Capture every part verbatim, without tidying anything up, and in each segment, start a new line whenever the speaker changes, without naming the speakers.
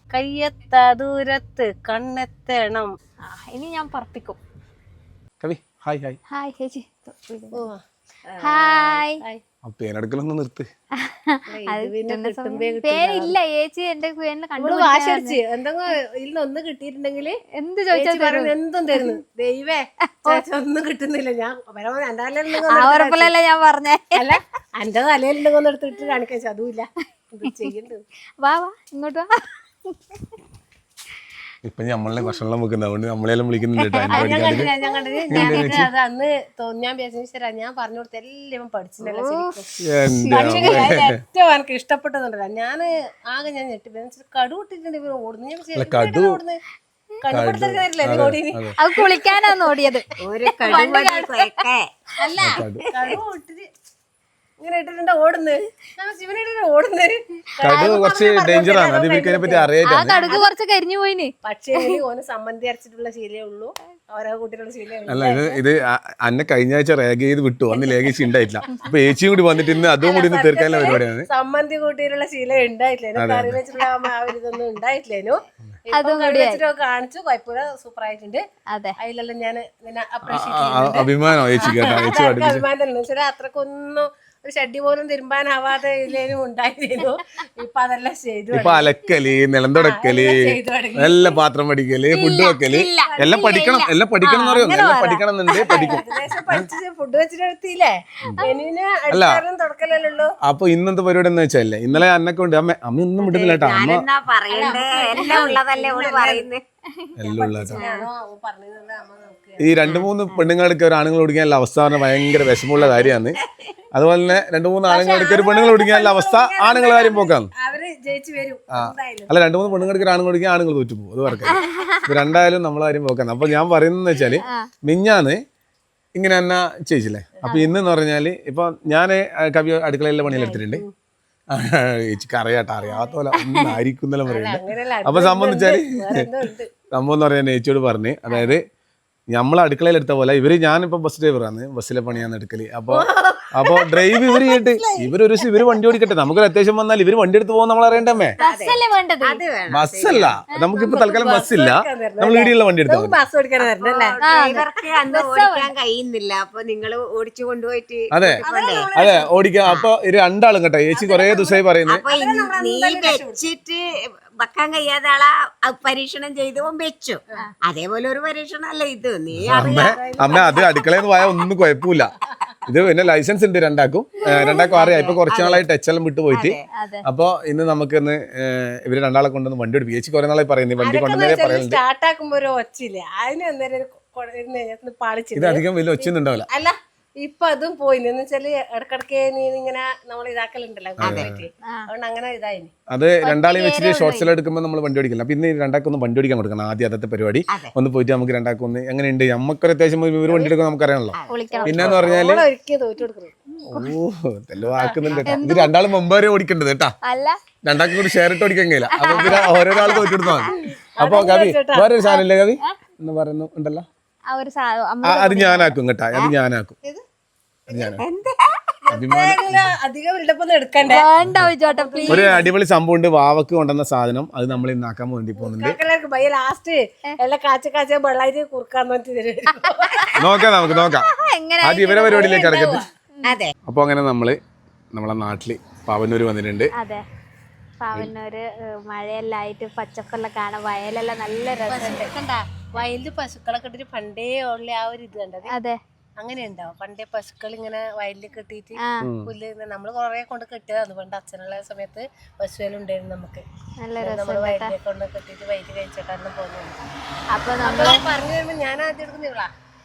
കയ്യെത്ത ദൂരത്ത് കണ്ണെത്തണം.
ഇനി ഞാൻ പറപ്പിക്കും.
കവി ഹായ് ഹായ്
ഹായ് ചേച്ചി. ഹായ്.
പേരെടുക്കലൊന്ന് നിർത്ത്.
പേരില്ല ചേച്ചി. എന്റെ പേരിന്
വാശടിച്ച് എന്തെങ്കിലും ഒന്ന് കിട്ടിയിട്ടുണ്ടെങ്കിൽ
എന്ത് ചോദിച്ചാൽ
എന്തും തരുന്നു. ദൈവേ ഒന്നും കിട്ടുന്നില്ല. ഞാൻ
ഉറപ്പില്ലല്ലേ ഞാൻ പറഞ്ഞേ.
അല്ല എന്റെ തലയിലുണ്ടെങ്കിൽ ഒന്ന് എടുത്തിട്ട് കാണിക്കാൻ അതുമില്ല. ചെയ്യണ്ട്.
വാ വാ ഇങ്ങോട്ട് വാ.
ഇപ്പൊ നമ്മളെ ഭക്ഷണം വെക്കുന്ന അതുകൊണ്ട് നമ്മളെല്ലാം വിളിക്കുന്നുണ്ട്.
ഞാൻ കണ്ടില്ല ഞാൻ കണ്ടില്ല ഞാൻ അത് അന്ന് ഞാൻ വിചാരിച്ചാ ഞാൻ പറഞ്ഞു കൊടുത്ത എല്ലാം പഠിച്ചിട്ടുണ്ടല്ലോ ശരിക്കും. പക്ഷേ ഏറ്റവും എനിക്ക് ഇഷ്ടപ്പെട്ടതുണ്ടല്ലോ ഞാൻ ആകെ ഞാൻ ഞെട്ടി കടു ഇട്ടിട്ടുണ്ട് ഓടുന്നു. ഞാൻ ഓടുന്നു കണ്ടുപിടുത്തരില്ലേ ഓടിന്.
അത് കുളിക്കാനാണ് ഓടിയത്.
അല്ല കടു ഇട്ടിട്ട് ഇങ്ങനെ ഇട്ടിട്ടുണ്ട് ഓടുന്നു. ശിവനിട്ട് ഓടുന്നു.
കുറച്ച് ഡേഞ്ചറാണ്. അത് ഇവർക്ക് പറ്റി അറിയാം.
കടുക് കുറച്ച് കരിഞ്ഞു പോയിന്.
പക്ഷേ ഓന് സമ്മന്തി അരച്ചിട്ടുള്ള ശീലേ ഉള്ളൂ. ഓരോ കുട്ടികളുടെ ശീലേ ഉള്ളൂ.
അല്ല ഇത് ഇത് അന്നെ കഴിഞ്ഞ ആഴ്ച രേഖ ചെയ്ത് വിട്ടു. അന്ന് ലേഖ ഉണ്ടായിട്ടില്ല. അപ്പൊ ഏച്ചിയും കൂടി വന്നിട്ട് ഇന്ന് അതും കൂടി ഇന്ന് തീർക്കാനുള്ള പരിപാടിയാണ്.
സമ്മന്തി കൂട്ടിയിട്ടുള്ള ശീലം ഉണ്ടായിട്ടില്ലേനു. കറി വെച്ചിട്ടുള്ള ആ ഒരു ഇതൊന്നും ഉണ്ടായിട്ടില്ലേനു. ഇപ്പൊ കറി വെച്ചിട്ടൊക്കെ കാണിച്ചു. കുഴപ്പമില്ല, സൂപ്പർ ആയിട്ടുണ്ട്. അതിലെല്ലാം ഞാൻ
അഭിമാനം ഏച്ചി കേട്ടോ. ഏച്ചി
അഭിമാനം തന്നെ വെച്ചാൽ അത്രക്കൊന്നും ഒരു ഷഡ്ഡി പോലും തിരുമ്പാനാവാതെ ഇതിലേനും ഉണ്ടായിരുന്നു. ഇപ്പൊ അതെല്ലാം ചെയ്തു.
ഇപ്പൊ അലക്കല്, നിലം തുടക്കല്, എല്ലാം പാത്രം പഠിക്കല്, ഫുഡ് വെക്കല് എല്ലാം പഠിക്കണം. എല്ലാം പഠിക്കണം എന്ന് പറയുന്നു. എല്ലാം പഠിക്കണം എന്നുണ്ട്. പഠിക്കും.
ഫുഡ് വെച്ചിട്ടെടുത്തില്ലേ അടിക്കാരും തുടക്കലല്ലോ.
അപ്പൊ ഇന്നത്തെ പരിപാടി എന്ന് വെച്ചല്ലേ, ഇന്നലെ അന്നൊക്കെ ഉണ്ട്. അമ്മ അമ്മ ഒന്നും വിടുന്നില്ല കേട്ടോ. അമ്മ എല്ലാം ഉള്ള ഈ രണ്ടു മൂന്ന് പെണ്ണുങ്ങളെടുക്ക ഒരു ആണുങ്ങൾ ഓടിക്കാനുള്ള അവസ്ഥ പറഞ്ഞാൽ ഭയങ്കര വിഷമമുള്ള കാര്യമാണ്. അതുപോലെ തന്നെ രണ്ടു മൂന്ന് ആണുങ്ങളെടുക്ക ഒരു പെണ്ണുങ്ങൾ ഓടിക്കാനുള്ള അവസ്ഥ ആണുങ്ങൾ കാര്യം പോക്കാണ്. അല്ല രണ്ടു മൂന്ന് പെണ്ണുങ്ങൾക്ക് ഒരു ആണുങ്ങൾ ഓടിക്കാൻ ആണുങ്ങൾ തോറ്റു പോകും. അത് പറയാം. ഇത് രണ്ടായാലും നമ്മളെ കാര്യം പോക്കാണ്. അപ്പൊ ഞാൻ പറയുന്നത് വെച്ചാല് മിഞ്ഞാന്ന് ഇങ്ങനെ തന്നെ ചെയ്യിച്ചില്ലേ. അപ്പൊ ഇന്നെന്ന് പറഞ്ഞാല് ഇപ്പൊ ഞാൻ കവി അടുക്കളയിലെ പണിയിലെടുത്തിട്ടുണ്ട്. ചേച്ചിക്ക് അറിയാട്ടോ. അറിയാത്ത പോലെ ഒന്നും ആയിരിക്കുന്നല്ലോ പറയുന്നത്. അപ്പൊ സംബന്ധിച്ചാല് സംഭവം എന്ന് പറയാൻ ചേച്ചിയോട് പറഞ്ഞ്, അതായത് നമ്മളെ അടുക്കളയിൽ എടുത്ത പോലെ ഇവര് ഞാനിപ്പോ ബസ് ഡ്രൈവറാണ്. ബസ്സിലെ പണിയാന്ന് എടുക്കല്. അപ്പൊ അപ്പൊ ഡ്രൈവ് ഇവര് ചെയ്തിട്ട് ഇവരൊരു ദിവസം ഇവര് വണ്ടി ഓടിക്കട്ടെ. നമുക്കൊരു അത്യാവശ്യം വന്നാൽ ഇവര് വണ്ടി എടുത്ത് പോകുന്ന നമ്മൾ അറിയണ്ടേ. ബസ്സല്ല, നമുക്കിപ്പോ തൽക്കാലം ബസ്സില്ല. നമ്മൾ ഇടിയുള്ള വണ്ടി എടുത്താൽ അതെ അതെ ഓടിക്കാം. അപ്പൊ രണ്ടാളും കേട്ടോ. ചേച്ചി കൊറേ ദിവസമായി പറയുന്നത്
വെക്കാൻ കഴിയാതെ ആളാ പരീക്ഷണം ചെയ്ത് വെച്ചു. അതേപോലെ ഒരു പരീക്ഷണം അല്ല ഇത്. നീ
അമ്മ അമ്മ അത് അടുക്കളയിൽ നിന്ന് പോയാൽ ഒന്നും കുഴപ്പമില്ല. ഇത് പിന്നെ ലൈസൻസ് ഉണ്ട് രണ്ടാക്കും. രണ്ടാക്കും അറിയാം. ഇപ്പൊ കുറച്ചു നാളായി ടച്ചെല്ലാം വിട്ടു പോയിട്ട്. അപ്പൊ ഇന്ന് നമുക്ക് ഇന്ന് ഇവര് രണ്ടാളെ കൊണ്ടൊന്ന് വണ്ടി ഓടിക്കും. ചേച്ചി കുറെ നാളായി പറയുന്നത് വണ്ടി കൊണ്ടുവന്നേ പറയുന്നുണ്ട്. ഇത് അധികം വലിയ ഒച്ചയൊന്നുണ്ടാവില്ല.
അല്ല ഇപ്പൊ അതും പോയി എന്ന് വെച്ചാല് ഇടക്കിടക്ക് നീ ഇങ്ങനെ നമ്മൾ ഇതാക്കലുണ്ടല്ലോ. അതുകൊണ്ട് അങ്ങനെ ഇതായി.
അത് രണ്ടാളെയും വെച്ചിട്ട് ഷോർട്സിൽ എടുക്കുമ്പോൾ നമ്മൾ വണ്ടി ഓടിക്കില്ല. അപ്പൊ ഇന്ന് രണ്ടാക്കൊന്ന് വണ്ടി ഓടിക്കാൻ കൊടുക്കണം. ആദ്യം അതത്തെ പരിപാടി ഒന്ന് പോയിട്ട് നമുക്ക് രണ്ടാക്കൊന്ന് എങ്ങനെയുണ്ട്. നമുക്കൊരു അത്യാവശ്യം ഇവർ വണ്ടി എടുക്കാൻ നമുക്കറിയാണല്ലോ. പിന്നെന്ന് പറഞ്ഞാല് ഓ എല്ലോ ആക്കുന്നുണ്ട്. ഇത് രണ്ടാളും മുമ്പ് വരെ ഓടിക്കേണ്ടത് കേട്ടാ. രണ്ടാൾക്കും കൂടി ഷെയർ ഇട്ട് ഓടിക്കാൻ കഴിയില്ല. അപ്പൊ പിന്നെ ഓരോരാൾ തോറ്റെടുത്താൽ മതി. അപ്പൊ കവി വേറൊരു സാധനം ഇല്ലേ കവി എന്ന് പറയുന്നു ഉണ്ടല്ലോ. അത് ഞാനാക്കും കേട്ടാ. അത് ഞാനാക്കും. ഒരു അടിപൊളി സംഭവം ഉണ്ട്. വാവക്ക് കൊണ്ടുവന്ന സാധനം അത് നമ്മൾ ഇന്നാക്കാൻ വേണ്ടി പോകുന്നുണ്ട്. നോക്കാം നമുക്ക് നോക്കാം. ആദ്യം ഇവരെ പരിപാടിയിലേക്ക് ഇറക്കട്ടെ. അപ്പൊ അങ്ങനെ നമ്മള് നമ്മളെ നാട്ടില് പാവന്നൂര് വന്നിട്ടുണ്ട്.
പാവന്നൂര് മഴയെല്ലായിട്ട് പച്ചപ്പെല്ലാം കാണാൻ വയലെല്ലാം നല്ല രസമുണ്ട്.
വയലില് പശുക്കളെ കെട്ടിട്ട് പണ്ടേ ഉള്ള ആ ഒരു ഇത് കണ്ടത്.
അതെ
അങ്ങനെ ഉണ്ടാവും. പണ്ടേ പശുക്കൾ ഇങ്ങനെ വയലിൽ കെട്ടിയിട്ട് പുല്ല് നമ്മള് കൊറേ കൊണ്ട് കെട്ടിയതാണ്. പണ്ട് അച്ഛനുള്ള സമയത്ത് പശുവിലുണ്ടായിരുന്നു. നമുക്ക് നമ്മള് വയലിനെ കൊണ്ട് കെട്ടിട്ട് വയലിൽ കഴിച്ചിട്ടാണ് പോകുന്നത്. അപ്പൊ നമ്മള് പറഞ്ഞു വരുമ്പോ ഞാൻ ആദ്യം എടുക്കുന്ന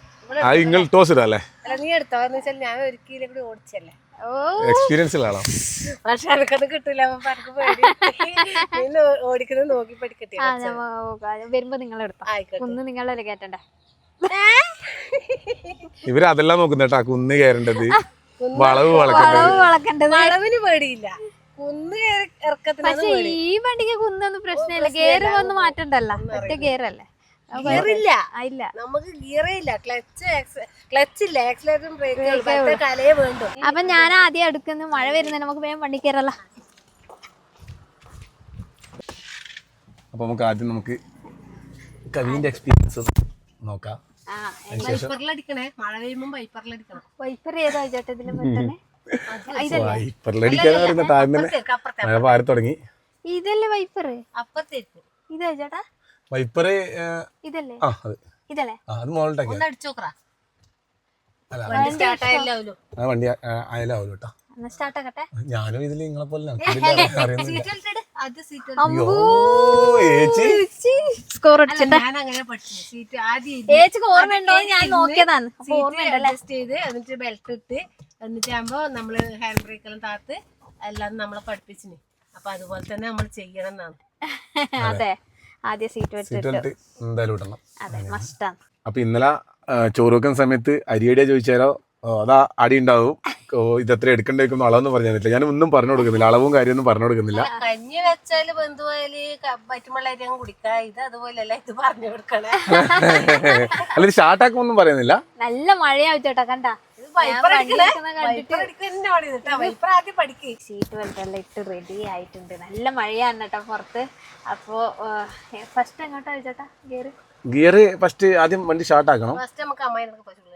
അല്ല നീ എടുത്തോ എന്ന് വെച്ചാൽ ഞാൻ ഒരിക്കലും കൂടി ഓടിച്ചല്ലേ.
എക്സ്പീരിയൻസ്
പക്ഷെ എനിക്കത് കിട്ടൂല. അപ്പൊ എനിക്ക് പേടി. ഓടിക്കുന്നത് നോക്കി പഠിക്കട്ടെ.
വരുമ്പോ നിങ്ങൾ എടുത്തോ. കുന്ന് നിങ്ങളല്ലേ കേട്ടണ്ടേ.
ഇവര് അതെല്ലാം നോക്കുന്നേട്ടാ. കുന്ന് കയറേണ്ടത്, വളവ്
വളക്കേണ്ടത്.
വളവിന് പേടിയില്ല. കുന്ന് ഇറക്കത്തിന്.
പക്ഷെ ഈ വണ്ടിക്ക് കുന്നൊന്നും പ്രശ്നമില്ല. ഗിയർ വന്ന് മാറ്റണ്ടല്ലോ. ഒറ്റ ഗിയറല്ലേ.
ഗിയറില്ല. നമുക്ക് ഗിയറേ ഇല്ല. ക്ലച്ച് ക്ലച്ച് ഇല്ല. ആക്സിലേറ്ററും ബ്രേക്കും കലയെ വേണ്ടു.
അപ്പൊ ഞാൻ ആദ്യം എടുക്കുന്നു. മഴ വരുന്നത് നമുക്ക് വേഗം വണ്ടി കയറല്ല.
അപ്പോൾ നമുക്ക് ആദ്യം നമുക്ക് കവിന്റെ എക്സ്പീരിയൻസ് നോക്കാം.
വൈപ്പറിലടിക്കണേ, മഴ പെയ്യുമ്പോൾ വൈപ്പറിലടിക്കണം.
വൈപ്പർ ഏതാ ചേട്ടാ ഇതില് പെട്ടെന്ന്?
വൈപ്പറിലടിക്കാന്ന് പറയുന്ന താഴെ തന്നെ മഴ പാറി തുടങ്ങി.
ഇതല്ലേ വൈപ്പർ?
അപ്പുറത്തേക്ക്
ഇതാ ചേട്ടാ
വൈപ്പറ്
ഇതല്ലേ?
ആ അത്
ഇതല്ലേ?
അത് മോളിട്ടേക്ക്
ഒന്ന് അടിച്ചു നോക്കറാ.
അല്ല
വണ്ടി സ്റ്റാർട്ട് ആയില്ലാവല്ലോ.
ആ വണ്ടി ആയാലാവൂല കേട്ടോ.
എന്നാ സ്റ്റാർട്ട് ആക്കട്ടെ.
ഞാനും ഇതിൽ നിങ്ങളെ പോലെ അറിയുന്നില്ല.
ആദ്യം സീറ്റ്
സ്കോർ അടിച്ചിട്ട്
ഞാൻ അങ്ങനെ പഠിച്ചു. സീറ്റ് ആദ്യം
ഏച്ചിക്ക് ഓർമ്മയുണ്ടോ? ഞാൻ നോക്കിയതാണ്. അപ്പൊ ഓർമ്മയുണ്ടല്ലേ?
അഡ്ജസ്റ്റ് ചെയ്ത് എന്നിട്ട് ബെൽറ്റ് ഇട്ട് എന്നിട്ടാകുമ്പോ നമ്മള് ഹാൻഡ് ബ്രേക്ക് എല്ലാം താത്ത് എല്ലാം നമ്മളെ പഠിപ്പിച്ചിന്. അപ്പൊ അതുപോലെ തന്നെ നമ്മൾ ചെയ്യണം എന്നാണ്.
അതെ, ആദ്യം സീറ്റ്
സീറ്റ് ബെൽറ്റ് എന്തായാലും ഇടണം.
അതെ, മസ്റ്റാണ്.
അപ്പൊ ഇന്നലെ ചോറ് വെക്കുന്ന സമയത്ത് അരിയടിയാ ചോദിച്ചാലോ അതാ അടി ഉണ്ടാവും. ഇതെത്ര എടുക്കേണ്ടി വെക്കുന്ന അളവെന്ന് പറഞ്ഞു തന്നില്ല. ഞാൻ ഒന്നും പറഞ്ഞു കൊടുക്കുന്നില്ല, അളവും കാര്യമൊന്നും പറഞ്ഞു കൊടുക്കുന്നില്ല.
കഞ്ഞി വെച്ചാല് ബന്ധുവായാല് പറ്റുമുള്ള അരി അങ്ങ് കുടിക്കാ. ഇത് അതുപോലെയല്ല, ഇത് പറഞ്ഞു കൊടുക്കണേ.
അല്ല ഇത് ഷാർട്ടാക്കുമൊന്നും പറയുന്നില്ല.
നല്ല മഴയാവും ചേട്ടാ, കണ്ടാ? സീറ്റ് ബെൽറ്റ് എല്ലാം ഇട്ട് റെഡി ആയിട്ടുണ്ട്. നല്ല മഴയാണ് കേട്ടോ പുറത്ത്. അപ്പോ ഫസ്റ്റ് എങ്ങോട്ടാ ചേട്ടാ ഗിയർ?
ഗിയർ ഫസ്റ്റ് ആദ്യം വണ്ടി ഷാർട്ടാക്കണം.
ഫസ്റ്റ് നമുക്ക് അമ്മായിനൊക്കെ പറ്റുള്ളൂ.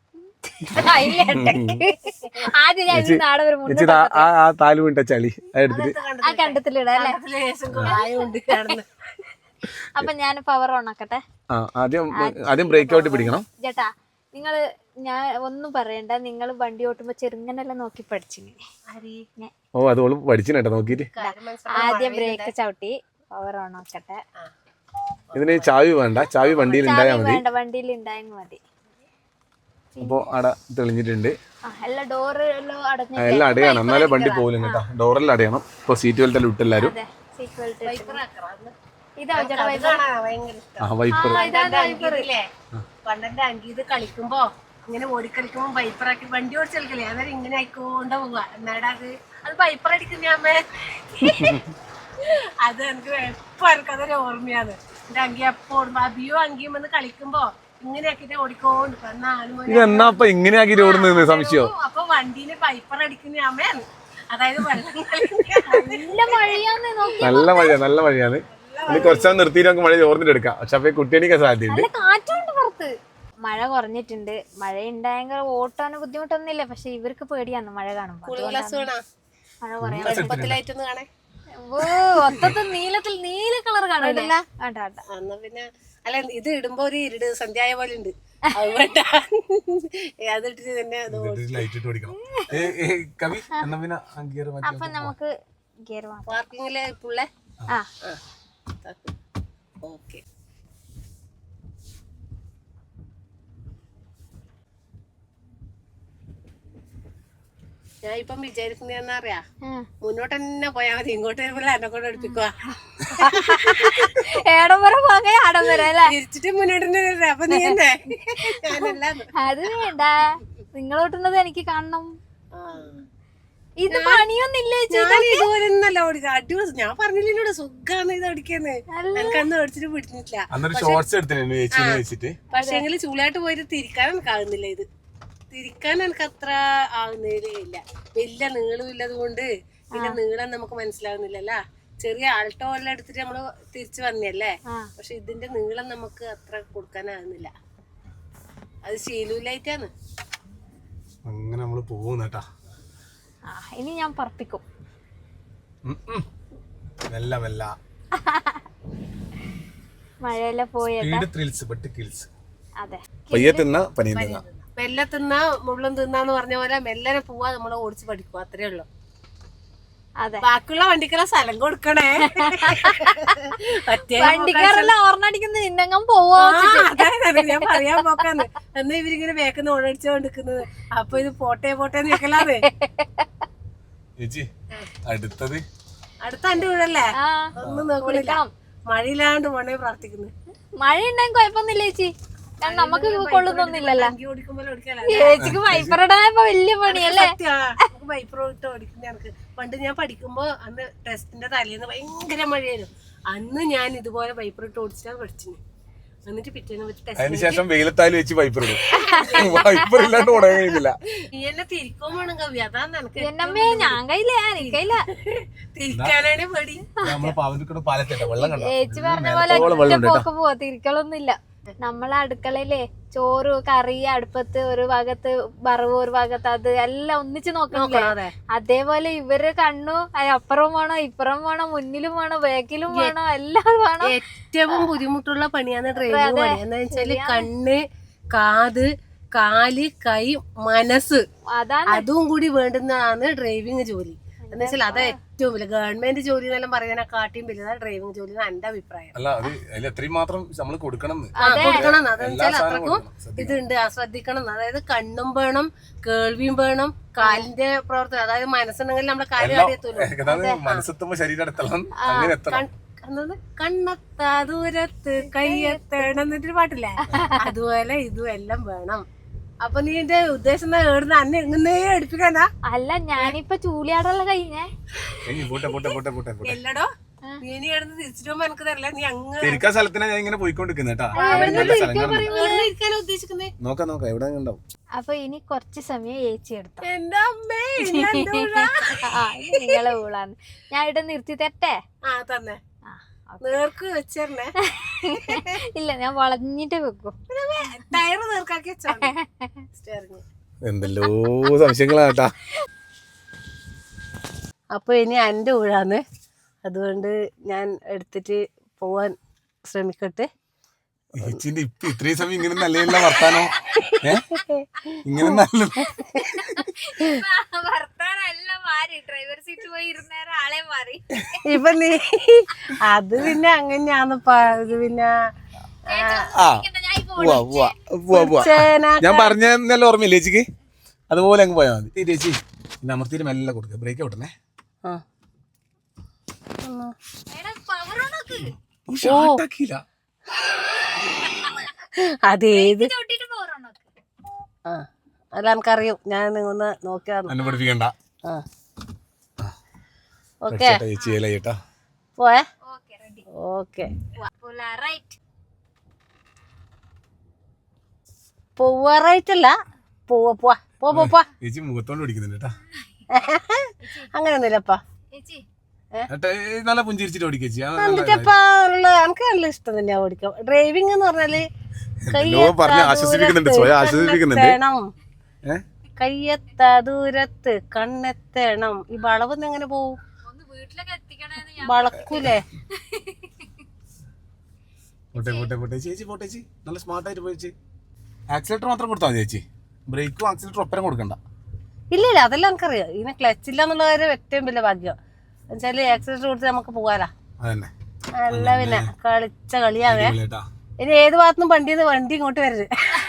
ആദ്യം ഞാൻ നാളെ ഒരു മുന്നേ
ആ താല് വീണ്ട ചളി എടുത്തിട്ട്
ആ കണ്ടത്തിലിടാം. അപ്പൊ ഞാൻ പവർ ഓൺ ആക്കട്ടെ.
ആദ്യം ആദ്യം ബ്രേക്ക് ഔട്ട് പിടിക്കണം.
ചേട്ടാ നിങ്ങള് ഞാൻ ഒന്നും പറയണ്ട, നിങ്ങൾ വണ്ടി ഓട്ടുമ്പോ ചെറുങ്ങനെല്ലാം നോക്കി പഠിച്ചിങ്ങനെ.
ഓ അതോള് പഠിച്ചിട്ടോ നോക്കിട്ട്.
ആദ്യം ബ്രേക്ക് ചവിട്ടി പവർ ഓൺ ആക്കട്ടെ.
ഇതിന് ചാവി വേണ്ട, ചാവി വണ്ടിയിൽ ഉണ്ടായാൽ മതി.
വേണ്ട, വണ്ടിയിൽ ഉണ്ടായെങ്കിൽ മതി.
അപ്പൊ അവിടെ തെളിഞ്ഞിട്ടുണ്ട്.
എല്ലാ ഡോറ് എല്ലാം അടഞ്ഞു.
എല്ലാം അടയണം, എന്നാലേ വണ്ടി പോലും കേട്ടോ. ഡോറെല്ലാം അടയണം. ഇപ്പൊ സീറ്റ് ബെൽറ്റ് എല്ലാം ഇട്ടെല്ലാരും.
പണ്ടെന്റെ അങ്കീത് കളിക്കുമ്പോ ഇങ്ങനെ ഓടിക്കളിക്കുമ്പോ വൈപ്പറാക്കി വണ്ടി ഓടിച്ച് കളിക്കലേ, അന്നേരം ഇങ്ങനെ ആയിക്കോണ്ട പോവുക. എന്നാടാ അത് അത് വൈപ്പർ അടിക്കുന്ന അമ്മേ. അത് എനിക്ക് എപ്പോ എനിക്ക് അതൊരു ഓർമ്മയാണ്. എന്റെ അങ്കി എപ്പോ ഓടുമ്പോ അബിയോ അങ്കിയും വന്ന് കളിക്കുമ്പോ ഇങ്ങനെ ആക്കിട്ട് ഓടിക്കോണ്ട്
ഇതെന്നാ ഇങ്ങനെ ആക്കി ഓടുന്ന സംശയോ.
അപ്പൊ വണ്ടീന് വൈപ്പർ അടിക്കുന്ന അമ്മയാണ്. അതായത്
നല്ല മഴയാന്ന് നോക്കി.
നല്ല മഴയാണ്, നല്ല മഴയാണ്. ഇനി കുറച്ചാൽ നിർത്തിയിട്ട് നമുക്ക് മഴ ചോർന്നിട്ട് എടുക്കാം. പക്ഷെ അപ്പൊ കുട്ടിയണിക്കാൻ സാധ്യതയുണ്ട്.
കാറ്റുണ്ട് പുറത്ത്. മഴ കുറഞ്ഞിട്ടുണ്ട്. മഴ ഉണ്ടായെങ്കിൽ ഓട്ടാന് ബുദ്ധിമുട്ടൊന്നുമില്ല. പക്ഷെ ഇവർക്ക് പേടിയാണ് മഴ കാണുമ്പോ. മഴ കുറയാൻ ഓ ഒത്തത്തിൽ നീലത്തിൽ നീല കളർ കാണില്ല.
പിന്നെ അല്ല ഇത് ഇടുമ്പോ ഒരു ഇരുട് സന്ധ്യായ പോലെ ഉണ്ട്. അതിട്ടിട്ട് തന്നെ
അപ്പൊ നമുക്ക് ഗിയർ
പാർക്കിങ്ങിലെ പുള്ളേ.
ആ
ഓക്കെ. ഞാൻ ഇപ്പം വിചാരിക്കുന്ന അറിയാ, മുന്നോട്ട് തന്നെ പോയാ മതി. ഇങ്ങോട്ട് വരുമ്പോൾ എന്നെ കൊണ്ട് എടുപ്പിക്കുക.
ഏടംവരെ പോകെ ആടംവരെ അല്ലേ?
തിരിച്ചിട്ട് മുന്നോട്ട് തന്നെ. അപ്പൊ നീ എന്നെ ഞാനല്ല.
അത് വേണ്ട, നിങ്ങളോട്ടുന്നത് എനിക്ക് കാണണം. ഇത് പണിയൊന്നില്ല.
ഇതുപോലെന്നല്ല ഓടിക്കുക. അടിപൊളി. ഞാൻ പറഞ്ഞില്ല സുഖാണ് ഇത് ഓടിക്കാന്ന്. എനിക്ക് അന്ന് ഓടിച്ചിട്ട് പിടിച്ചിട്ടില്ല. പക്ഷെ എങ്കിൽ ചൂടായിട്ട് പോയിട്ട് തിരിക്കാൻ എനിക്ക് ആകുന്നില്ല. ഇത് തിരിക്കാൻ എനിക്ക് അത്ര ആവുന്നതേ ഇല്ല. വലിയ നീളം ഇല്ലത് കൊണ്ട് പിന്നെ നീളം നമുക്ക് മനസ്സിലാവുന്നില്ലല്ല. ചെറിയ ആൾട്ടോ എല്ലാം എടുത്തിട്ട് നമ്മള് തിരിച്ചു വന്നല്ലേ. പക്ഷെ ഇതിന്റെ നീളം നമുക്ക് അത്ര കൊടുക്കാനാകുന്നില്ല. അത് ശീലൂലായിട്ടാണ്.
അങ്ങനെ നമ്മള് പോകുന്നേട്ടാ.
ഇനി ഞാൻ പറപ്പിക്കും. മഴയെല്ലാം പോയത്. അതെ,
മെല്ലെ തിന്നാ മുള്ളും തിന്നാന്ന് പറഞ്ഞ പോലെ മെല്ലനെ പോവാ നമ്മള് ഓടിച്ച് പഠിക്കും. അത്രേ ഉള്ളു.
അതെ,
ബാക്കിയുള്ള വണ്ടിക്കെല്ലാം സ്ഥലം കൊടുക്കണേ.
വണ്ടിക്കാരെല്ലാം ഓർണടിക്കുന്നത് നിന്നങ്ങം പോവോ.
ഞാൻ പറയാൻ പോക്കാന്ന്. എന്നാ ഇവരിങ്ങനെ വേക്കുന്ന ഓടടിച്ചോണ്ടിരിക്കുന്നത്. അപ്പൊ ഇത് പോട്ടെ പോട്ടേന്ന് വെക്കലാന്ന്.
അടുത്തത്
അടുത്ത എന്റെ വീടല്ലേ. ഒന്നും നോക്കണില്ല. മഴയില്ലാണ്ട് പോണേ പ്രാർത്ഥിക്കുന്നു.
മഴ ഉണ്ടെങ്കിൽ കുഴപ്പമൊന്നുമില്ല ചേച്ചി. കാരണം നമുക്ക് കൊള്ളുന്നൊന്നുമില്ലല്ലോ. ചേച്ചിക്ക് വൈപ്പർ ഇടാനിപ്പോ വലിയ പണിയല്ലേ.
വൈപ്പർ ഇട്ട് ഓടിക്കുന്ന എനിക്ക് പണ്ട് ഞാൻ പഠിക്കുമ്പോ അന്ന് ടെസ്റ്റിന്റെ തലേന്ന് ഭയങ്കര മഴയായിരുന്നു. അന്ന് ഞാൻ ഇതുപോലെ വൈപ്പർ ഇട്ട് ഓടിച്ചിട്ടാണ് പഠിച്ചിന്. എന്നിട്ട് പിറ്റേന്ന് വെച്ച് ടെസ്റ്റ്
അതിനുശേഷം വെയിലത്തായാലും വെച്ച് വൈപ്പർ ഇടും വൈപ്പർ ഇല്ലാണ്ട് ഉടയാൻ കഴിയുന്നില്ല.
നീ എന്നെ തിരിക്കോ വേണം കവി, അതാണ് എനിക്ക്
എന്നമ്മേ ഞാൻ കയ്യില്ല എനിക്കയില്ല.
തിരിക്കാനാണ് പേടി.
നമ്മളെ പാവനിക്കോട് പാലത്തേട്ട വെള്ളം കണ്ടോ?
ചേച്ചി പറഞ്ഞ പോലെ ഒറ്റ പോക്ക് പോവാ, തിരിക്കലൊന്നുമില്ല. നമ്മളെ അടുക്കളയിലെ ചോറ് കറി അടുപ്പത്ത് ഒരു ഭാഗത്ത് വറവ് ഒരു ഭാഗത്ത് അത് എല്ലാം ഒന്നിച്ച് നോക്കണല്ലേ. അതേപോലെ ഇവര് കണ്ണു അപ്പുറം വേണോ ഇപ്പുറം വേണോ മുന്നിലും വേണോ ബാക്കിലും വേണോ എല്ലാം വേണോ.
ഏറ്റവും ബുദ്ധിമുട്ടുള്ള പണിയാണ് ഡ്രൈവിംഗ് പണി. എന്താ വെച്ചാല് കണ്ണ്, കാത്, കാല്, കൈ, മനസ്സ്,
അതാണ്
അതും കൂടി വേണ്ടുന്നതാണ് ഡ്രൈവിംഗ് ജോലി. എന്താ വെച്ചാൽ അത് ഏറ്റവും വലിയ ഗവൺമെന്റ് ജോലി എന്നെല്ലാം പറയാൻ കാട്ടിയും വലുതാണ് ഡ്രൈവിംഗ് ജോലി എന്നാണ് എന്റെ അഭിപ്രായം.
അല്ല അത് അതിൽ എത്രയും മാത്രം നമ്മൾ കൊടുക്കണം
ആ കൊടുക്കണം. അതെന്ന് വെച്ചാൽ അത്രക്കും ഇതുണ്ട്, ശ്രദ്ധിക്കണം. അതായത് കണ്ണും വേണം, കേൾവിയും വേണം, കാലിന്റെ പ്രവർത്തനം, അതായത് മനസ്സുണ്ടെങ്കിൽ നമ്മളെ കാര്യം അറിയത്തുള്ളൂ.
മനസ്സെത്തുമ്പോ ശരീരം അടുത്തണം, അങ്ങനെ എത്തണം.
കണ്ണെത്താ ദൂരത്ത് കയ്യെത്തണം എന്നിട്ടൊരു പാട്ടില്ലേ, അതുപോലെ ഇതും എല്ലാം വേണം. അപ്പൊ നീ എന്റെ ഉദ്ദേശം ഏടുന്ന അന്നെ എങ്ങനെ എടുപ്പിക്കാനാ?
അല്ല ഞാനിപ്പൊ ചൂലിയാടല്ല കഴിഞ്ഞേ.
എല്ലടോ നീ ഇനി എഴുന്ന് തിരിച്ചിട്ട് പോകുമ്പോ എനിക്ക് തരില്ല. നീ അങ്ങനെ
തിരിക്കാൻ സ്ഥലത്തിനാ ഞാൻ ഇങ്ങനെ പോയിക്കൊണ്ടിരിക്കുന്നേട്ടാ.
ഉദ്ദേശിക്കുന്നേ
നോക്കാം നോക്കാം എവിടെ ഉണ്ടാവും.
അപ്പൊ ഇനി കുറച്ച് സമയം ഏച്ചി എടുത്തു.
എന്റെ അമ്മേ
നിങ്ങളെ ഊളാന്ന് ഞാൻ ഇവിടെ നിർത്തി തരട്ടെ?
ആ തന്നെ നേർക്ക് വെച്ചേ.
ഇല്ല ഞാൻ വളഞ്ഞിട്ട് വെക്കും.
ടയറ് നേർക്കാക്കി വെച്ചോ.
എന്തെല്ലോ സംശയങ്ങളാട്ടാ.
അപ്പൊ ഇനി എന്റെ ഊഴാന്ന്, അതുകൊണ്ട് ഞാൻ എടുത്തിട്ട് പോവാൻ ശ്രമിക്കട്ടെ.
ചേച്ചിന്റെ ഇപ്പൊ ഇത്രയും സമയം ഇങ്ങനെ നല്ല വർത്താനോ ഇങ്ങനെ നല്ല
ഡ്രൈവർ സീറ്റ് പോയി ഇരുന്നേരം ആളെ മാറി.
ഇപ്പൊ നീ അത് പിന്നെ അങ്ങനെയാന്നപ്പാ. ഇത് പിന്നെ
ഞാൻ പറഞ്ഞല്ല ഓർമ്മയില്ല ചേച്ചിക്ക്, അതുപോലെ അങ്ങ് പോയാൽ മതി. ചേച്ചി പിന്നെ അമർത്തിയിട്ട് മെല്ലെ കൊടുക്കുക, ബ്രേക്ക് വിട്ടണേ.
അതേത് ആ അല്ല എനിക്കറിയും. ഞാൻ ഒന്ന് നോക്കിയാ
പഠിപ്പിക്കണ്ട.
ഓക്കെ പോയേ. ഓക്കെ പോവാറായിട്ടല്ല, പോവാ പോവാ പോ പോ.
ചേച്ചി മുഖത്തോണ്ട് ഓടിക്കുന്നുണ്ട്.
അങ്ങനെയൊന്നുമില്ലപ്പാ,
നല്ല പുഞ്ചിരിച്ചിട്ട് ഓടിക്കേച്ചി.
എന്നിട്ടപ്പാ എനിക്ക് നല്ല ഇഷ്ടം തന്നെയാ ഓടിക്കാം. ഡ്രൈവിംഗ് എന്ന് പറഞ്ഞാല് കയ്യെത്ത ദൂരത്ത് കണ്ണെത്തണം. ഈ വളവെന്ന് എങ്ങനെ പോവും? വളക്കൂലേ?
ചേച്ചി പോട്ടെ ചേച്ചി, നല്ല സ്മാർട്ടായിട്ട് പോയി. ആക്സിലേറ്റർ മാത്രം കൊടുത്താൽ മതി ചേച്ചി, ബ്രേക്കും ആക്സിലേറ്ററും ഒപ്പരം കൊടുക്കണ്ട.
ഇല്ല ഇല്ല അതെല്ലാം എനിക്കറിയാം. ഇതിനെ ക്ലച്ച് ഇല്ല എന്നുള്ള കാര്യം ഏറ്റവും വലിയ ഭാഗ്യം. എന്നുവെച്ചാല് ആക്സിലേറ്റർ കൊടുത്ത് നമുക്ക് പോകാലാ. അല്ല പിന്നെ കളിച്ച കളിയാവേ. ഇനി ഏത് ഭാഗത്തുനിന്നും വണ്ടി വണ്ടി ഇങ്ങോട്ട് വരരുത്.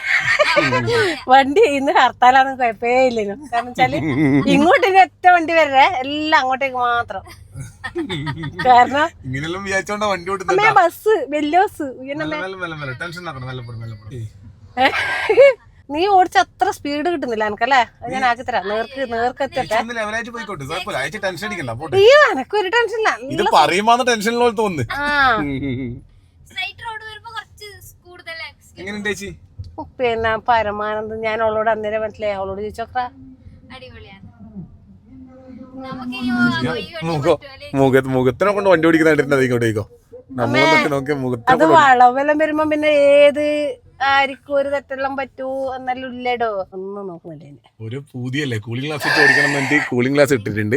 വണ്ടി ഇന്ന് ഹർത്താലാന്ന് കുഴപ്പേ ഇല്ലേനു. കാരണം വെച്ചാല് ഇങ്ങോട്ട് ഇനി ഒറ്റ വണ്ടി വരേ, എല്ലാം അങ്ങോട്ടേക്ക് മാത്രം. കാരണം ബസ് വലിയ ബസ് നീ ഓടിച്ച അത്ര സ്പീഡ് കിട്ടുന്നില്ല എനിക്കല്ലേ. ഞാൻ ആക്കി തരാം. നേർക്ക് നേർക്ക് എത്തട്ടെ. അയ്യോ എനക്കൊരു ടെൻഷനില്ല. പിന്നെ പരമാനന്ദം ഞാൻ അവളോട് അന്നേരം മനസ്സിലായി. അവളോട് ചോദിച്ചോക്ക.
മുഖത്തിനെ കൊണ്ട് വണ്ടി ഓടിക്കുന്നുണ്ട്. ഇങ്ങോട്ടേക്കോ
അത് വളവെല്ലാം വരുമ്പോ പിന്നെ ഏത് ആർക്കും ഒരു തെറ്റെല്ലാം പറ്റൂ എന്നെല്ലാം ഇല്ലടോ. ഒന്നും നോക്കുന്നില്ല.
ഒരു പുതിയല്ലേ കൂളിംഗ് ഗ്ലാസ് ഇട്ട് ഓടിക്കണം വേണ്ടി കൂളിംഗ് ഗ്ലാസ് ഇട്ടിട്ടുണ്ട്.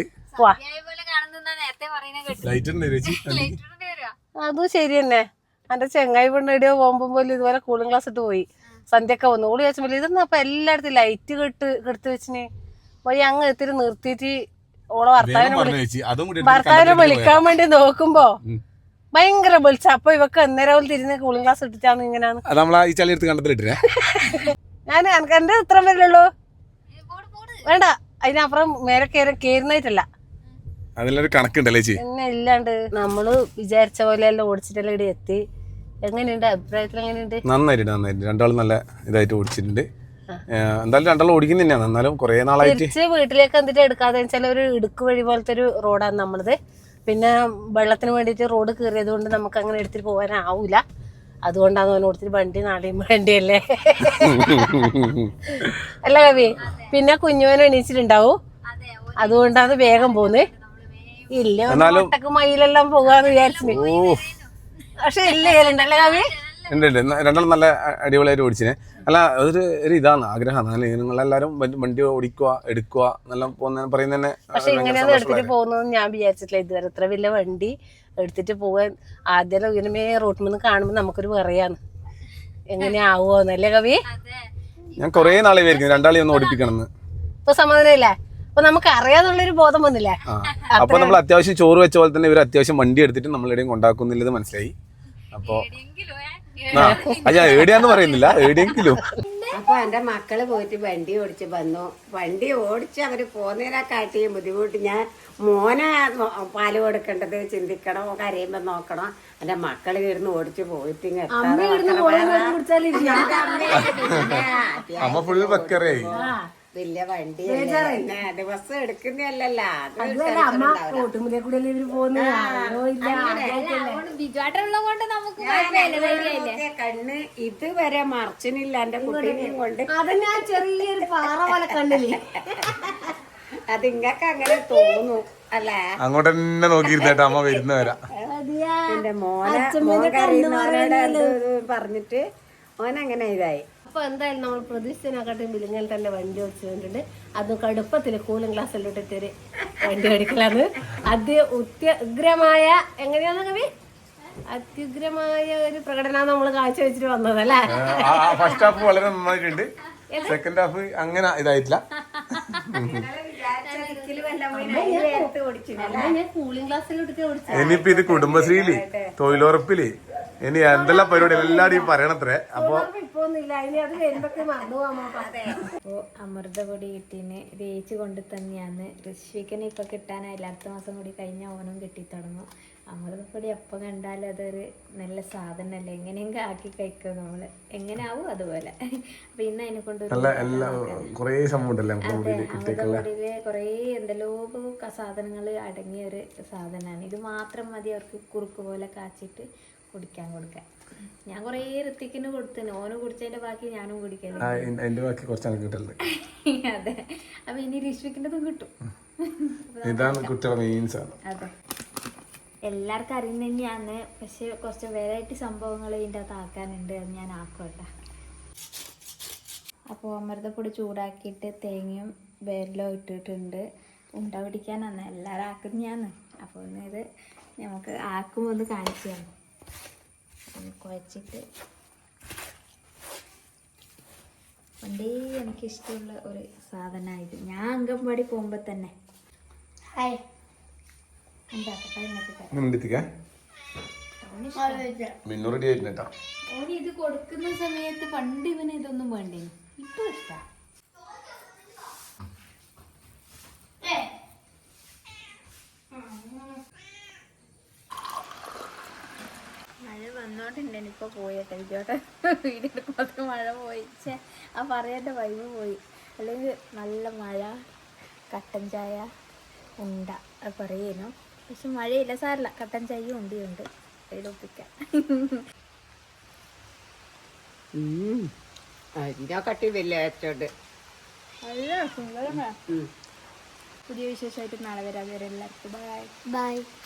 അതും ശരി തന്നെ. എന്റെ ചെങ്ങായി പെണ്ണിടിയോ പോകുമ്പോ പോലും ഇതുപോലെ കൂളിംഗ് ഗ്ലാസ് ഇട്ട് പോയി. സന്ധ്യൊക്കെ വന്നു. ഓള് ചോദിച്ചപ്പോൾ ഇതൊന്നും അപ്പൊ എല്ലായിടത്തും ലൈറ്റ് കെട്ട് കെടുത്ത് വെച്ചിന് പോയി അങ്ങ് എത്തിരി നിർത്തിയിട്ട് ഓളെ ഭർത്താവിനെ ഭർത്താവിനെ വിളിക്കാൻ വേണ്ടി നോക്കുമ്പോ ഭയങ്കര വിളിച്ച. അപ്പൊ ഇവക്ക് അന്നേരം തിരിഞ്ഞ് കൂളിംഗ് ഗ്ലാസ് ഇട്ടിട്ടാണ് ഇങ്ങനെയാണ്. ഞാൻ എനിക്ക് എന്റെ ഇത്രം വരില്ലുള്ളൂ. വേണ്ട അതിനപ്പുറം മേലെ കയറി കയറുന്നതായിട്ടല്ല. പിന്നെ ഇല്ലാണ്ട് നമ്മള് വിചാരിച്ച പോലെ എല്ലാം ഓടിച്ചിട്ടെല്ലാം ഇവിടെ എത്തി. എങ്ങനെയുണ്ട് അഭിപ്രായത്തിൽ? എങ്ങനെയുണ്ട്?
നന്നായിട്ട് നന്നായിട്ട് രണ്ടാളും നല്ല ഇതായിട്ട് ഓടിച്ചിട്ടുണ്ട്. എന്തായാലും രണ്ടാളും ഓടിക്കുന്ന തന്നെയാണ്. എന്നാലും കുറെ നാളായിട്ട്
തിരിച്ച് വീട്ടിലേക്ക് എന്തിട്ട് എടുക്കാതെ വെച്ചാൽ ഒരു ഇടുക്ക് വഴി പോലത്തെ ഒരു റോഡാണ് നമ്മളത്. പിന്നെ വെള്ളത്തിന് വേണ്ടിയിട്ട് റോഡ് കയറിയത് കൊണ്ട് നമുക്ക് അങ്ങനെ എടുത്തിട്ട് പോകാനാവൂല. അതുകൊണ്ടാണ് അവൻ കൊടുത്തിട്ട് വണ്ടി നാളെയും വേണ്ടിയല്ലേ. അല്ല കവി, പിന്നെ കുഞ്ഞുവൻ എണീച്ചിട്ടുണ്ടാവും, അതുകൊണ്ടാണ് വേഗം പോന്ന്. ഇല്ല ഒട്ടക്ക് മയിലെല്ലാം പോകാന്ന് വിചാരിച്ചു, പക്ഷെ ഇല്ല കേളുണ്ടല്ലേ കവി.
ഉണ്ട് ഉണ്ട് രണ്ടാളും നല്ല അടിപൊളിയായിട്ട് ഓടിച്ചിനെ. അല്ല അതൊരു ഒരു ഇതാണ് ആഗ്രഹമാണ്. അല്ലെ നിങ്ങളെല്ലാരും വണ്ടി ഓടിക്കുക എടുക്കുക എന്നെല്ലാം പോകുന്ന പറയുന്ന തന്നെ.
പക്ഷെ ഇങ്ങനെയൊന്നും എടുത്തിട്ട് പോകുന്നതെന്ന് ഞാൻ വിചാരിച്ചിട്ടില്ല ഇതുവരെ. ഇത്ര വലിയ വണ്ടി എടുത്തിട്ട് പോകാൻ ആദ്യം ഇങ്ങനെ റോട്ടിൽ നിന്ന് കാണുമ്പോൾ നമുക്കൊരു പറയാന്ന് എങ്ങനെയാവുമോന്നല്ലേ കവി.
ഞാൻ കൊറേ നാളെ വിചാരിക്കുന്നു രണ്ടാളെ ഒന്ന് ഓടിപ്പിക്കണം എന്ന്.
ഇപ്പൊ സമാധാനമില്ലേ? അപ്പൊ നമുക്ക് അറിയാന്നുള്ളൊരു ബോധം വന്നില്ലേ?
അപ്പൊ നമ്മൾ അത്യാവശ്യം ചോറ് വെച്ച പോലെ തന്നെ ഇവർ അത്യാവശ്യം വണ്ടി എടുത്തിട്ട് നമ്മളെവിടെയും കൊണ്ടാക്കുന്നില്ലത് മനസ്സിലായി. അപ്പൊ ആ ഞാൻ ഏടിയാന്ന് പറയുന്നില്ല, ഏടിയെങ്കിലും.
അപ്പൊ എന്റെ മക്കള് പോയിട്ട് വണ്ടി ഓടിച്ച് വന്നു. വണ്ടി ഓടിച്ച് അവര് പോന്നതിനെ കാട്ടിയും ബുദ്ധിമുട്ട്. ഞാൻ മോനെ പാല് കൊടുക്കേണ്ടത് ചിന്തിക്കണം, കരയുമ്പോ നോക്കണം. എന്റെ മക്കള് ഇരുന്ന് ഓടിച്ച് പോയിട്ട്
അമ്മ ഫുൾ ബക്കറായി.
വലിയ വണ്ടി ദിവസം എടുക്കുന്നല്ലല്ലോ. കണ്ണ് ഇതുവരെ മറച്ചിനില്ല എന്റെ കുട്ടീനെയും കൊണ്ട്.
അത് ഞാൻ ചെറിയൊരു പാറ പോലെ കണ്ടില്ലേ.
അത് ഇങ്ങക്ക് അങ്ങനെ തോന്നും അല്ലേ?
അങ്ങോട്ട് തന്നെ നോക്കിയിരുന്നേട്ടാ അമ്മ വരുന്നവരാ.
എന്റെ മോനെ മോൻ കരയുന്നവരോട് പറഞ്ഞിട്ട് മോനങ്ങനെ ഇതായി.
അപ്പൊ എന്തായാലും നമ്മൾ പ്രതീക്ഷിച്ചതിനെക്കാട്ടും വിലങ്ങൽ തന്നെ വണ്ടി ഓടിച്ചു കണ്ടിട്ടുണ്ട്. അതും കടുപ്പത്തില് കൂളിംഗ് ഗ്ലാസ് ഇട്ടിട്ട് വണ്ടി ഓടിക്കലാണ്. അത് അത്യുഗ്രമായ എങ്ങനെയാന്ന് കവി അത്യുഗ്രമായ ഒരു പ്രകടനം നമ്മൾ കാഴ്ച വെച്ചിട്ട് വന്നതല്ലേ.
ഫസ്റ്റ് ഹാഫ് വളരെ നന്നായിട്ടുണ്ട്, സെക്കൻഡ് ഹാഫ് അങ്ങനെ ഇതായിട്ടില്ല.
ഞാൻ കൂളിംഗ് ഗ്ലാസ്സിലിട്ട് ഓടിച്ചു.
ഇനിയിപ്പോ ഇത് കുടുംബശ്രീയില് തൊഴിലുറപ്പില് ഇനി എന്തെല്ലാം പരിപാടി എല്ലാവരും പറയണത്രേ. അപ്പൊ
അപ്പോ അമൃതപൊടി കിട്ടീന് തേച്ച് കൊണ്ട് തന്നെയാണ്. ഋഷിക്കനെ ഇപ്പൊ കിട്ടാനായില്ല, അടുത്ത മാസം കൂടി കഴിഞ്ഞ ഓണം കിട്ടി തുടങ്ങും. അമൃതപ്പൊടി എപ്പം കണ്ടാലും അതൊരു നല്ല സാധനമല്ലേ, എങ്ങനെയെങ്കിലും ആക്കി കഴിക്കുക നമ്മള്, എങ്ങനെ ആവും അതുപോലെ. അപ്പൊ ഇന്ന് അതിനെ കൊണ്ട് അമൃതപ്പൊടിയില് കുറേ എന്തെല്ലോ സാധനങ്ങള് അടങ്ങിയ ഒരു സാധനമാണ്. ഇത് മാത്രം മതി അവർക്ക് കുറുക്ക് പോലെ കാച്ചിട്ട് കുടിക്കാൻ കൊടുക്കാൻ. ഞാൻ കൊറേ ഋത്തിക്കിന് കൊടുത്തിന്, ഓന് കുടിച്ചതിന്റെ ബാക്കി ഞാനും കുടിക്കല്. അതെ, അപ്പൊ ഇനി ഋഷിക്കിൻ്റെതും കിട്ടും. അതെ, എല്ലാവർക്കും അറിയുന്ന തന്നെയാണ്, പക്ഷെ കുറച്ച് വെറൈറ്റി സംഭവങ്ങൾ ഇതിൻ്റെ അകത്ത് ആക്കാനുണ്ട്. അത് ഞാൻ ആക്കട്ടെ. അപ്പോൾ അമൃതപ്പൊടി ചൂടാക്കിയിട്ട് തേങ്ങയും വെല്ലവും ഇട്ടിട്ടുണ്ട്. ഉണ്ട പിടിക്കാനാണ് എല്ലാവരും ആക്കുന്നതാണ്. അപ്പോൾ ഒന്ന് ഇത് നമുക്ക് ആക്കുമ്പോൾ ഒന്ന് കാണിച്ചു തരാം. കുഴച്ചിട്ട് പണ്ടേ എനിക്കിഷ്ടമുള്ള ഒരു സാധനമായത്. ഞാൻ അംഗൻവാടി പോകുമ്പോൾ തന്നെ ഹായ് ഓന് ഇത് കൊടുക്കുന്ന സമയത്ത് പണ്ട് ഇവന് ഇതൊന്നും വേണ്ടേ, ഇപ്പൊ ഇഷ്ടാ. മഴ വന്നോട്ടുണ്ട്, ഇനിയിപ്പോൾ പോയേട്ടെ ഇതോട്ടെ വീഡിയോ എടുക്കുമ്പോൾ മഴ പോയി. ചേ ആ പറയേണ്ട വൈബ് പോയി. അല്ലെങ്കിൽ നല്ല മഴ, കട്ടൻ ചായ, ഉണ്ട അത് പറയുന്നു. പക്ഷെ മഴയില്ല, സാറില്ല, കട്ടൻ ചായയും ഉണ്ടിയുണ്ട് അതിലൊപ്പിക്കാൻ.
കട്ടി വലിയ അച്ചോണ്ട്
നല്ല സുന്ദരമാണ്. പുതിയ വിശേഷമായിട്ട് നാളെ വരാം. എല്ലാവർക്കും ബൈ ബൈ.